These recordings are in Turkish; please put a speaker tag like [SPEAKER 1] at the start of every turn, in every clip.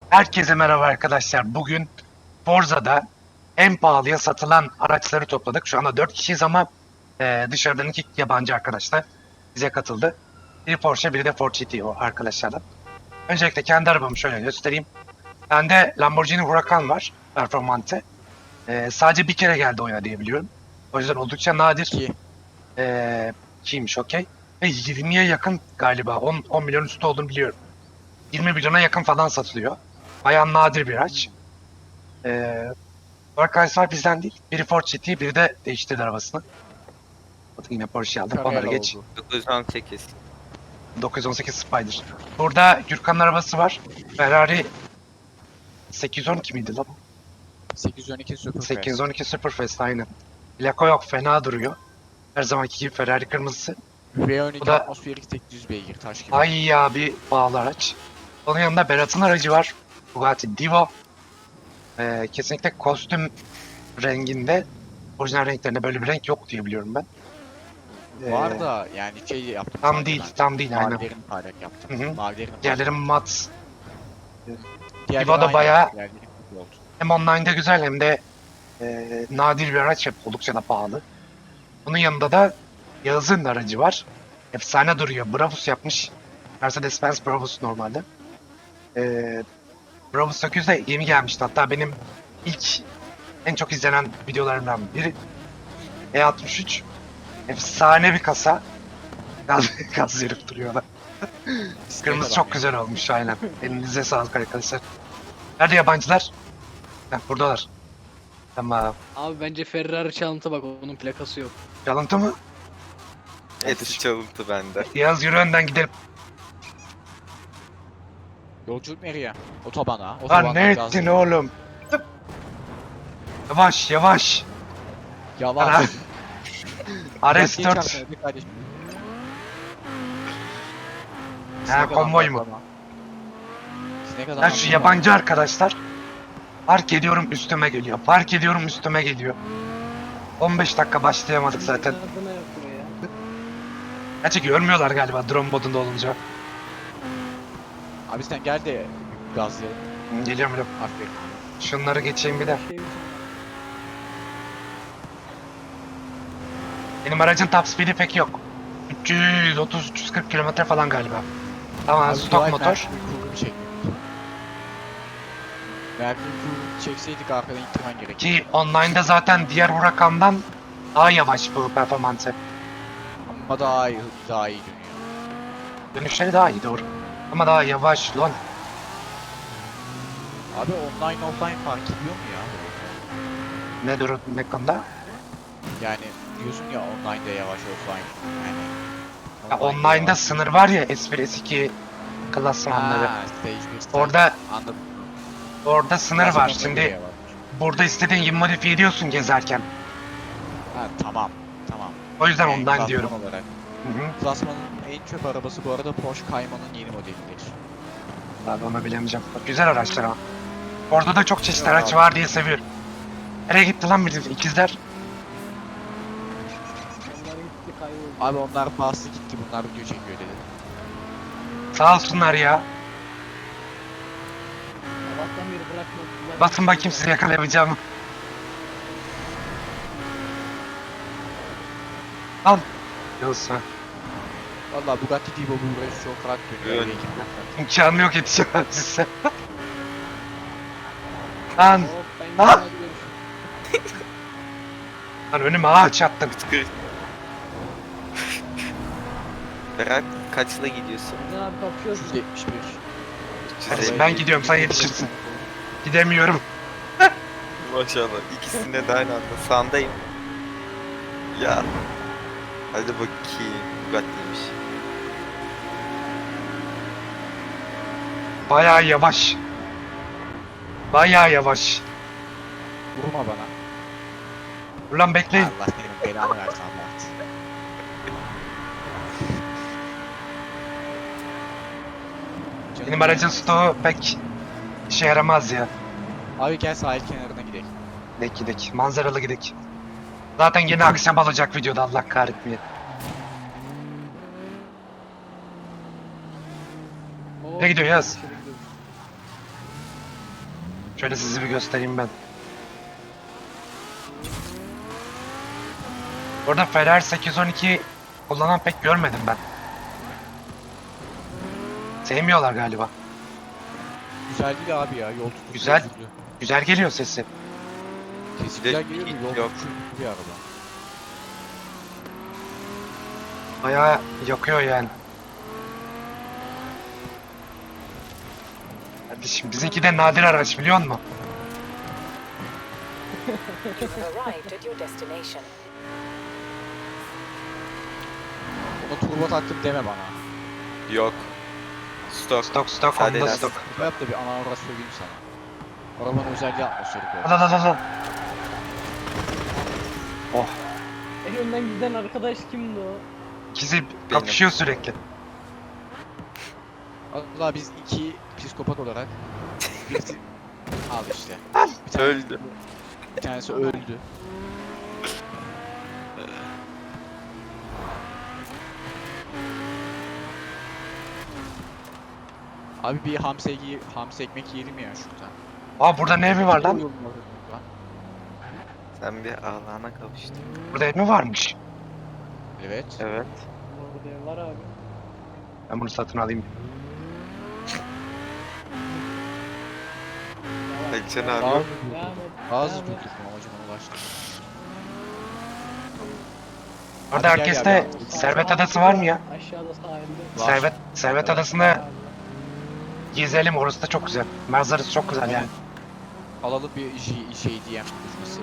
[SPEAKER 1] Herkese merhaba arkadaşlar. Bugün Forza'da en pahalıya satılan araçları topladık. Şu anda 4 kişiyiz ama dışarıdan 2 yabancı arkadaşlar bize katıldı. Biri Porsche, biri de Ford GTO arkadaşlardan. Öncelikle kendi arabamı şöyle göstereyim. Bende Lamborghini Huracan var, performante. Sadece bir kere geldi oyuna diye biliyorum. O yüzden oldukça nadir.
[SPEAKER 2] 2.
[SPEAKER 1] Kiymiş, okey. Ve 20'ye yakın galiba, 10 milyon üstü olduğunu biliyorum. 20 milyona yakın falan satılıyor. Bayağı nadir bir araç. Arkadaşlar bizden değil. Biri Ford GT, biri de değiştirdi arabasını. Bakın yine Porsche aldım. Onları geç.
[SPEAKER 3] 918.
[SPEAKER 1] 918 Spider. Burada Gürkan'ın arabası var. Ferrari 812 miydi lan?
[SPEAKER 2] 812 Superfast.
[SPEAKER 1] 812 Superfast aynen. Plaka yok, fena duruyor. Her zamanki gibi Ferrari kırmızısı.
[SPEAKER 2] V12
[SPEAKER 1] Bu da-
[SPEAKER 2] atmosferik 800 beygir taş gibi.
[SPEAKER 1] Ay abi pahalı araç. Onun yanında Berat'ın aracı var. Bugatti Divo. Kesinlikle kostüm renginde. Orijinal renklerinde böyle bir renk yok diye biliyorum ben.
[SPEAKER 2] Var da yani şey yaptım.
[SPEAKER 1] Tam
[SPEAKER 2] sadece
[SPEAKER 1] değil,
[SPEAKER 2] ben.
[SPEAKER 1] tam değil aynen.
[SPEAKER 2] Mavilerini parlak yaptım.
[SPEAKER 1] Hı hı.
[SPEAKER 2] Mavilerini
[SPEAKER 1] Diğerleri mat.
[SPEAKER 2] Diğerleri
[SPEAKER 1] Divo da
[SPEAKER 2] aynı.
[SPEAKER 1] bayağı-
[SPEAKER 2] Diğerleri kötü oldu.
[SPEAKER 1] Hem online'da güzel hem de nadir bir araç, hep oldukça da pahalı. Bunun yanında da Yağız'ın aracı var. Efsane duruyor. Brabus yapmış. Mercedes-Benz Brabus normalde. E, Brabus 800 de yeni gelmişti. Hatta benim ilk en çok izlenen videolarımdan biri. E63. Efsane bir kasa. Gaz verip duruyor da.
[SPEAKER 2] İstek
[SPEAKER 1] Kırmızı
[SPEAKER 2] adam
[SPEAKER 1] çok
[SPEAKER 2] ya.
[SPEAKER 1] güzel olmuş aynen. Elinize sağlık arkadaşlar. Nerede yabancılar? Heh, buradalar. Tamam.
[SPEAKER 4] Abi bence Ferrari çalıntı bak onun plakası yok.
[SPEAKER 1] Çalıntı mı?
[SPEAKER 3] Hepsi çalıntı bende.
[SPEAKER 1] Yağız yürü önden gidelim.
[SPEAKER 2] Yolculuk nereye? Otobana.
[SPEAKER 1] Lan
[SPEAKER 2] Otobandan
[SPEAKER 1] ne
[SPEAKER 2] gaz
[SPEAKER 1] ettin
[SPEAKER 2] veriyor.
[SPEAKER 1] oğlum? Yavaş yavaş.
[SPEAKER 2] Yavaş.
[SPEAKER 1] Ana. RS4.
[SPEAKER 2] Dikkatli çarpma, bir kardeşim.
[SPEAKER 1] Ha,
[SPEAKER 2] Sinek
[SPEAKER 1] konvoy
[SPEAKER 2] adam
[SPEAKER 1] mu?
[SPEAKER 2] var ama. Sinek adam
[SPEAKER 1] Ben
[SPEAKER 2] var
[SPEAKER 1] şu
[SPEAKER 2] ama.
[SPEAKER 1] yabancı arkadaşlar. Park ediyorum üstüme geliyor. Park ediyorum üstüme geliyor. 15 dakika başlayamadık zaten.
[SPEAKER 4] Adına yok buraya.
[SPEAKER 1] Gerçi görmüyorlar galiba drone modunda olunca.
[SPEAKER 2] Abi sen gel de gazlayalım.
[SPEAKER 1] Geliyorum geliyorum.
[SPEAKER 2] Aferin.
[SPEAKER 1] Şunları geçeyim bir de.
[SPEAKER 4] Şey mi?
[SPEAKER 1] Benim aracın top speed'i pek yok. 330-340 kilometre falan galiba. Tamam,
[SPEAKER 2] Abi
[SPEAKER 1] stok
[SPEAKER 2] dua et
[SPEAKER 1] motor.
[SPEAKER 2] Mercury kurgumu çekmedik. Mercury kurgumu çekseydik arkadan ittirmen gerekirdi.
[SPEAKER 1] Ki online'da zaten diğer Huracan'dan daha yavaş bu performansı.
[SPEAKER 2] Ama daha iyi dönüyor.
[SPEAKER 1] Dönüşleri daha iyi doğru. Ama daha yavaş lan.
[SPEAKER 2] Abi online offline fark ediyor mu ya?
[SPEAKER 1] Ne durum ne konuda?
[SPEAKER 2] Yani diyorsun ya online'da yavaş offline. Yani
[SPEAKER 1] Ya
[SPEAKER 2] online'da
[SPEAKER 1] online'da
[SPEAKER 2] yavaş.
[SPEAKER 1] sınır var ya S1 S2 klasmanları.
[SPEAKER 2] Ha, stage 1 stage.
[SPEAKER 1] Orada
[SPEAKER 2] Anladım.
[SPEAKER 1] orada sınır
[SPEAKER 2] Biraz
[SPEAKER 1] var.
[SPEAKER 2] ona göre
[SPEAKER 1] Şimdi
[SPEAKER 2] yavaş.
[SPEAKER 1] burada istediğin gibi modifiye ediyorsun gezerken.
[SPEAKER 2] Ha tamam. Tamam.
[SPEAKER 1] O yüzden
[SPEAKER 2] Yani
[SPEAKER 1] ondan
[SPEAKER 2] klasman
[SPEAKER 1] diyorum.
[SPEAKER 2] Olarak.
[SPEAKER 1] Hı hı.
[SPEAKER 2] Klasmanın en çöp arabası bu arada Porsche Cayman'ın yeni modelidir.
[SPEAKER 1] Abi onu bilemeyeceğim. Bak, güzel araçlar ama. Orada da çok çeşitli
[SPEAKER 2] Yok
[SPEAKER 1] araç
[SPEAKER 2] abi.
[SPEAKER 1] var diye seviyorum. Nereye gitti lan bizim ikizler?
[SPEAKER 4] Onlar gitti kayboldu.
[SPEAKER 2] Abi onlar bastı gitti bunlar video çekiyor dedi.
[SPEAKER 1] Sağ olsunlar ya.
[SPEAKER 4] Sabahtan beri bırakmadılar.
[SPEAKER 1] Basın bakayım sizi yakalayabileceğim. Al. Yoksa
[SPEAKER 2] Valla Bugatti Divo bu race çok rahat dönüyor.
[SPEAKER 3] Evet.
[SPEAKER 1] imkanı yok yetişemem size. Lan,
[SPEAKER 4] Hop ben
[SPEAKER 1] Ah!
[SPEAKER 4] hadi görüşürüz.
[SPEAKER 1] lan önüme ağaç attın.
[SPEAKER 3] Tıkır. Berat kaçla gidiyorsun?
[SPEAKER 4] Ne abi kapışıyoruz.
[SPEAKER 2] 171.
[SPEAKER 3] 350.
[SPEAKER 1] Ben gidiyorum, sen yetişirsin. Gidemiyorum.
[SPEAKER 3] Maşallah. İkisinde de aynı anda. Sağındayım. Ya. Hadi bakayım. Bugatti'ymiş.
[SPEAKER 1] Bayağı yavaş. Bayağı yavaş.
[SPEAKER 2] Vurma bana.
[SPEAKER 1] Dur lan bekleyin.
[SPEAKER 2] Allah senin belanı versin Allah.
[SPEAKER 1] Benim aracın stoğu pek işe yaramaz ya.
[SPEAKER 2] Abi gel sahil kenarına gidelim.
[SPEAKER 1] Gidek gidek. Manzaralı gidek. Zaten yine akşam olacak videoda, Allah kahretmeye.
[SPEAKER 4] Hop,
[SPEAKER 1] Nereye gidiyor Yaz?
[SPEAKER 4] dışarı gidiyoruz.
[SPEAKER 1] Şöyle sizi bir göstereyim ben. Orada Ferrari 812 kullanan pek görmedim ben. Sevmiyorlar galiba.
[SPEAKER 2] Güzel değil abi ya. Yol tutuşu
[SPEAKER 1] Güzel.
[SPEAKER 2] özürlü.
[SPEAKER 1] Güzel geliyor sesi.
[SPEAKER 2] Kesin
[SPEAKER 3] Bir de
[SPEAKER 2] güzel geliyor mu? Yol
[SPEAKER 3] yok.
[SPEAKER 2] tutuşu bir araba.
[SPEAKER 1] Bayağı yakıyor yani. Kardeşim bizimki de nadir araç biliyor musun?
[SPEAKER 5] You have arrived at your destination.
[SPEAKER 2] Ona turbo taktım deme bana.
[SPEAKER 3] Yok. Stok.
[SPEAKER 1] Stok
[SPEAKER 3] Sadece
[SPEAKER 1] onda
[SPEAKER 3] lastik.
[SPEAKER 1] stok.
[SPEAKER 2] Bu yap da bir ana avrat söyleyeyim sana. Arabanın özelliği atmosferik oldu.
[SPEAKER 1] Al al al al. Oh.
[SPEAKER 4] En önden giden arkadaş kimdi o?
[SPEAKER 1] İkisi kapışıyor sürekli.
[SPEAKER 2] Allah biz iki psikopat olarak birisi al işte. Bir tanesi,
[SPEAKER 3] Öldü.
[SPEAKER 2] bir tanesi öldü. Abi bir hamsi ekmek yiyelim ya şuradan.
[SPEAKER 1] Aa burada ne evi var lan?
[SPEAKER 3] Sen bir Allah'ına kavuştun.
[SPEAKER 1] Burada ev mi varmış?
[SPEAKER 2] Evet.
[SPEAKER 3] Evet.
[SPEAKER 4] Orada ev var abi.
[SPEAKER 1] Ben bunu satın alayım.
[SPEAKER 3] Alican
[SPEAKER 2] Daha
[SPEAKER 3] abi.
[SPEAKER 4] Devam et.
[SPEAKER 2] bazı
[SPEAKER 4] devam et.
[SPEAKER 2] durduk amacıma ulaştım.
[SPEAKER 1] Orada
[SPEAKER 2] Hadi gel
[SPEAKER 1] herkeste
[SPEAKER 2] ya,
[SPEAKER 1] Servet Adası var mı ya?
[SPEAKER 4] Aşağıda sahilde.
[SPEAKER 2] Var.
[SPEAKER 1] Servet Adası'nda gezelim, orası da çok güzel. Manzarası çok güzel yani.
[SPEAKER 2] Alalım bir şey diyem buluşması.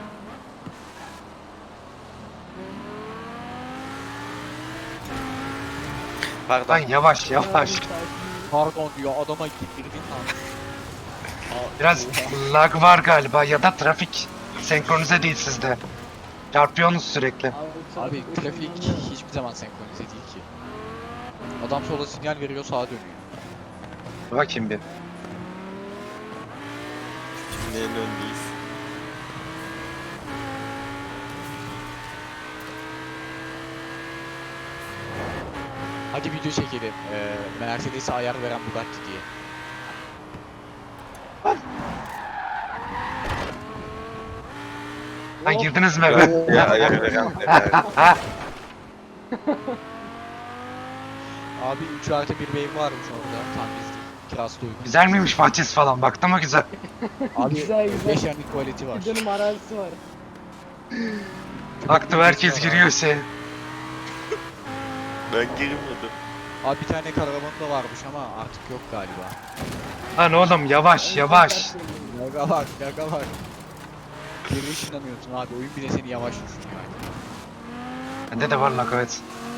[SPEAKER 1] Lan
[SPEAKER 3] Pardon.
[SPEAKER 1] yavaş yavaş.
[SPEAKER 2] Pardon diyor adama girdin lan.
[SPEAKER 1] Biraz lag var galiba ya da trafik senkronize değil sizde. Çarpıyorsunuz sürekli.
[SPEAKER 2] Abi trafik hiçbir zaman senkronize değil ki. Adam sola sinyal veriyor sağa dönüyor.
[SPEAKER 1] Bakayım bir.
[SPEAKER 3] Neyin öndeyiz?
[SPEAKER 2] Hadi video çekelim. Mercedes'e ayar veren Bugatti diye.
[SPEAKER 1] Lan girdiniz mi eve?
[SPEAKER 3] Ya ayar veren de.
[SPEAKER 2] Abi 3+1 bir ev varmış orada. Tam biz kirası da uygun.
[SPEAKER 1] Güzel miymiş bahçesi falan? Baktın mı güzel?
[SPEAKER 2] Abi
[SPEAKER 4] Güzel, güzel.
[SPEAKER 2] 5 yani tuvaleti var.
[SPEAKER 4] Bir dönüm arazisi var.
[SPEAKER 1] Baktım herkes giriyor şey.
[SPEAKER 3] Ben girmedim.
[SPEAKER 2] Abi bir tane karavan da varmış ama artık yok galiba.
[SPEAKER 1] Lan oğlum yavaş yavaş.
[SPEAKER 2] Yaga var, yaga var. Geri ışınlanıyorsun abi. Oyun bile seni yavaş düşünüyor.
[SPEAKER 1] Bende de var lag evet.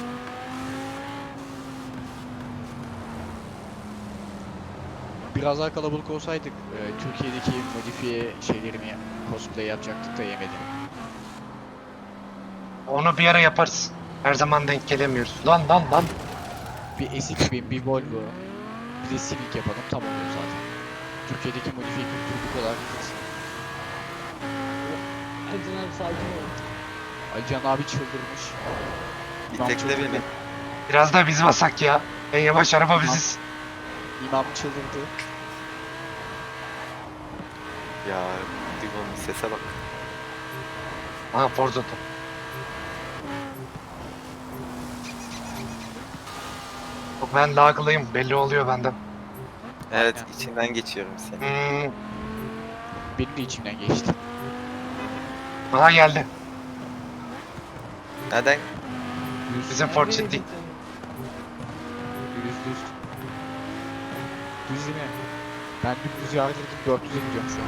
[SPEAKER 2] Biraz daha kalabalık olsaydık Türkiye'deki modifiye şeylerini cosplay yapacaktık da yemedim.
[SPEAKER 1] Onu bir ara yaparız. Her zaman denk gelemiyoruz. Lan.
[SPEAKER 2] Bir S2000, bir Volvo, bir de Civic yapalım tam oluyor zaten. Türkiye'deki modifiye kültürü bu kadar.
[SPEAKER 4] Acın abi sakin ol.
[SPEAKER 2] Alican abi çıldırmış. İmam
[SPEAKER 3] Tekle
[SPEAKER 2] çıldırdı.
[SPEAKER 3] beni.
[SPEAKER 1] Biraz da biz basak ya. En yavaş araba biziz.
[SPEAKER 2] İmam çıldırdı.
[SPEAKER 3] Ya Digon'un sese bak.
[SPEAKER 1] Aha Forzo'da. Yok ben laglıyım. Belli oluyor benden.
[SPEAKER 3] Evet
[SPEAKER 2] Aynen.
[SPEAKER 3] içinden geçiyorum seni.
[SPEAKER 2] Benim de içimden geçti.
[SPEAKER 1] Aha geldi.
[SPEAKER 3] Neden?
[SPEAKER 1] Bizim Ford City.
[SPEAKER 2] Düz. Düz yine. Ben dümdüz yardırdım 400'e gidiyorum şu an.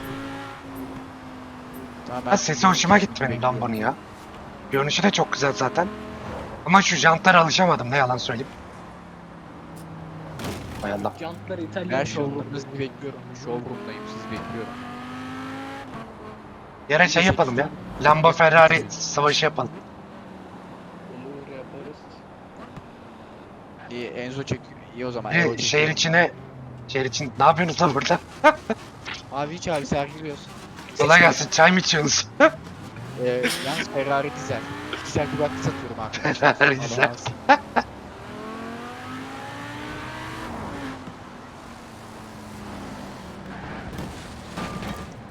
[SPEAKER 2] Tamam,
[SPEAKER 1] Ha, sesi hoşuma gitti benim Lambo'nun ya. Görünüşü de çok güzel zaten. Ama şu jantlara alışamadım ne yalan söyleyeyim. Hay Allah.
[SPEAKER 4] Jantlar İtalyan.
[SPEAKER 2] Ben showroom'da sizi bekliyorum. Showroom'dayım sizi bekliyorum.
[SPEAKER 1] Yere şey yapalım ya. Lambo Ferrari savaşı yapalım.
[SPEAKER 4] Olur yaparız.
[SPEAKER 2] İyi Enzo çek. İyi o zaman.
[SPEAKER 1] Bir
[SPEAKER 2] Enzo
[SPEAKER 1] şehir
[SPEAKER 2] çekiyor.
[SPEAKER 1] için ne yapıyorsunuz lan burada?
[SPEAKER 2] Abi hiç abi sergiliyorsun.
[SPEAKER 1] Kolay gelsin çay mı içiyorsunuz?
[SPEAKER 2] Yalnız Ferrari dizel. Dizel Bugatti satıyorum abi.
[SPEAKER 1] Ferrari dizel.
[SPEAKER 2] Adamsın.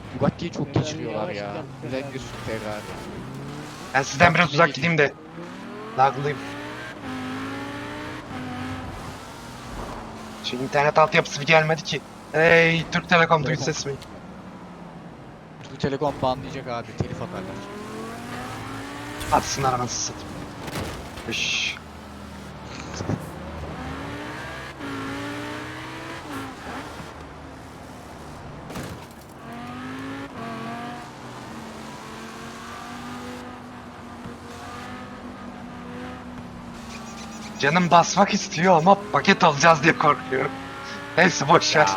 [SPEAKER 2] Bugatti'yi çok
[SPEAKER 4] Ferrari
[SPEAKER 2] geçiriyorlar
[SPEAKER 4] yavaş
[SPEAKER 2] ya.
[SPEAKER 4] gel,
[SPEAKER 2] Özellikle
[SPEAKER 4] Ferrari.
[SPEAKER 2] Ferrari.
[SPEAKER 1] Ben sizden biraz uzak gideyim de. Laglıyım. Şu internet altyapısı bir gelmedi ki. Hey Türk Telekom duy ses mi?
[SPEAKER 2] Türk Telekom banlayacak abi. Telif atarlar.
[SPEAKER 1] Atsınlar anasını satayım. Üş. Canım basmak istiyor ama paket alacağız diye korkuyorum. Hepsi boş ver.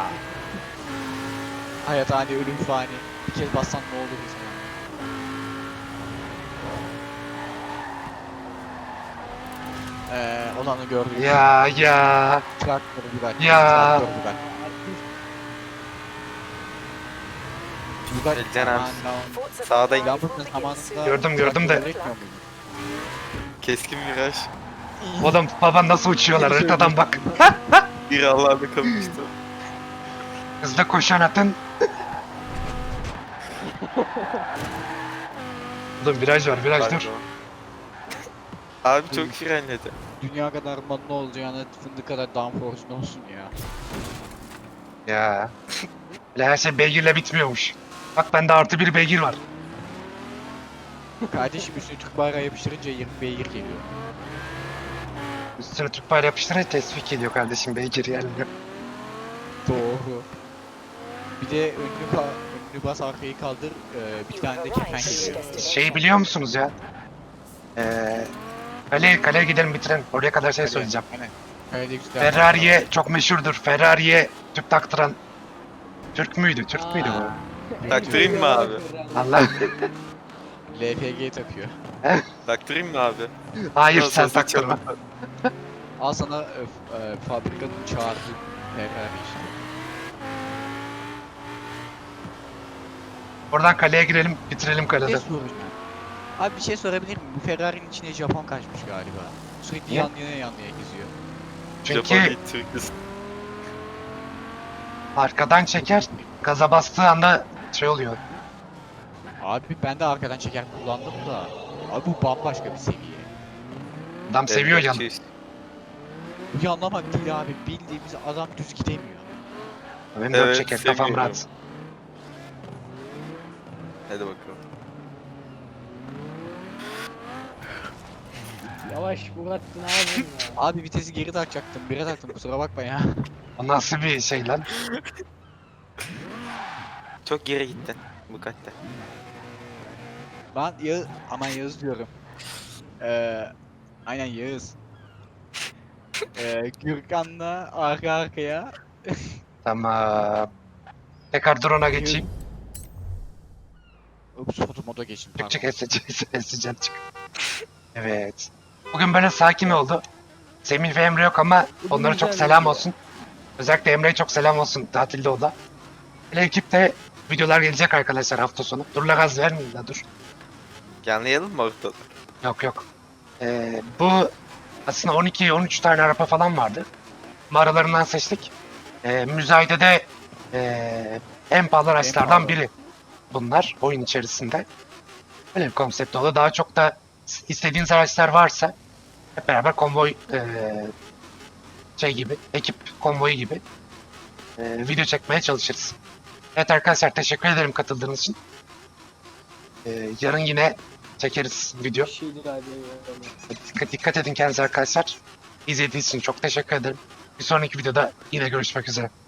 [SPEAKER 2] Hayat hani ölüm fani. Bir kez bassan ne olur bize. Olanı gördük.
[SPEAKER 1] Ya.
[SPEAKER 2] Traktörü Bugatti.
[SPEAKER 1] Ya.
[SPEAKER 2] Traktör Bugatti. Bugatti.
[SPEAKER 3] Can abi.
[SPEAKER 2] Aman
[SPEAKER 5] Forza
[SPEAKER 3] Sağdayım.
[SPEAKER 2] Allah'ım.
[SPEAKER 5] Ferrari
[SPEAKER 2] Lamborghini
[SPEAKER 5] will begin soon.
[SPEAKER 2] zamanında
[SPEAKER 1] Gördüm de.
[SPEAKER 2] traktör gerekmiyor muydu?
[SPEAKER 3] Keskin viraj.
[SPEAKER 1] Oğlum baba nasıl uçuyorlar haritadan bak.
[SPEAKER 3] Bir Allah'da kalmıştı.
[SPEAKER 1] Hızlı koşan atın. Oğlum viraj var viraj dur.
[SPEAKER 3] Pardon. Abi çok frenledi.
[SPEAKER 2] Dünya kadar manlı olacağına fındık kadar downforce'un olsun ya.
[SPEAKER 1] Ya. Öyle her şey beygirle bitmiyormuş. Bak bende artı bir beygir var.
[SPEAKER 2] Kardeşim üstüne Türk bayrağı yapıştırınca 20 beygir geliyor.
[SPEAKER 1] Üstüne Türk bayrağı yapıştırınca tesvik ediyor kardeşim beygir gelmiyor.
[SPEAKER 2] Doğru. Bir de önünü bas arkayı kaldır, bir tane de kefen geliyor.
[SPEAKER 1] Şey biliyor musunuz ya? Kaleye gidelim bitirelim. Oraya kadar şey söyleyeceğim.
[SPEAKER 2] Aynen. Öyle güzel.
[SPEAKER 1] Ferrari'ye çok meşhurdur. Ferrari'ye tüp taktıran Türk müydü? Türk müydü bu?
[SPEAKER 3] Taktırayım mı abi?
[SPEAKER 1] Allah.
[SPEAKER 2] LPG takıyor.
[SPEAKER 3] Taktırayım mı abi?
[SPEAKER 1] Hayır
[SPEAKER 3] Nasıl
[SPEAKER 1] sen
[SPEAKER 3] olsa
[SPEAKER 1] taktırma.
[SPEAKER 3] çalın.
[SPEAKER 2] Al sana fabrikanın çağırdığı Ferrari işte.
[SPEAKER 1] Oradan kaleye girelim, bitirelim
[SPEAKER 2] Bir
[SPEAKER 1] kalede.
[SPEAKER 2] şey soracağım. Abi bir şey sorabilir miyim? Bu Ferrari'nin içine Japon kaçmış galiba. Sürekli
[SPEAKER 1] Ne?
[SPEAKER 2] yan yana geziyor.
[SPEAKER 3] Japon
[SPEAKER 1] Çünkü
[SPEAKER 3] değil, Türk'üz.
[SPEAKER 1] arkadan çeker, gaza bastığı anda şey oluyor.
[SPEAKER 2] Abi ben de arkadan çeker kullandım da. Abi bu bambaşka bir seviye.
[SPEAKER 1] Adam seviyor
[SPEAKER 3] Evet,
[SPEAKER 1] yanı.
[SPEAKER 3] şey-
[SPEAKER 2] Bu yanlamak değil abi. Bildiğimiz adam düz gidemiyor.
[SPEAKER 1] Benim
[SPEAKER 3] Evet,
[SPEAKER 1] dört çeker, kafam
[SPEAKER 3] seviyorum.
[SPEAKER 1] rahat.
[SPEAKER 3] Hadi bakalım.
[SPEAKER 4] Yavaş Bugatti ne yapıyorsun ya?
[SPEAKER 2] Abi vitesi geri takacaktım. Bire taktım kusura bakma ya.
[SPEAKER 1] O nasıl bir şey lan?
[SPEAKER 3] Çok geri gittin Bugatti.
[SPEAKER 2] Ben Yağız... Aman Yağız diyorum. Aynen Yağız. Gürkan'la arka arkaya.
[SPEAKER 1] Tamam. Tekrar drone'a geçeyim.
[SPEAKER 2] Ups foto moda geçtim
[SPEAKER 1] Çık
[SPEAKER 2] pardon.
[SPEAKER 1] çık eseceğim çık. Evet. Bugün böyle sakin oldu. Semih ve Emre yok ama
[SPEAKER 4] Bugün
[SPEAKER 1] onlara çok
[SPEAKER 4] güzel
[SPEAKER 1] selam
[SPEAKER 4] video.
[SPEAKER 1] olsun. Özellikle Emre'ye çok selam olsun tatilde o da. Hele ekipte videolar gelecek arkadaşlar hafta sonu. Dur la gaz vermeyin la dur.
[SPEAKER 3] Yanlayalım mı ortada?
[SPEAKER 1] Yok. Bu aslında 12-13 tane araba falan vardı. Ama aralarından seçtik. Müzayedede en pahalı araçlardan
[SPEAKER 2] pahalı.
[SPEAKER 1] biri bunlar oyun içerisinde. Böyle bir konsept oldu. Daha çok da istediğiniz araçlar varsa hep beraber konvoy şey gibi, ekip konvoyu gibi video çekmeye çalışırız. Evet arkadaşlar teşekkür ederim katıldığınız için. Yarın yine çekeriz video.
[SPEAKER 4] Bir şeydir abi.
[SPEAKER 1] Dikkat edin kendinize arkadaşlar. İzlediğiniz için çok teşekkür ederim. Bir sonraki videoda yine görüşmek üzere.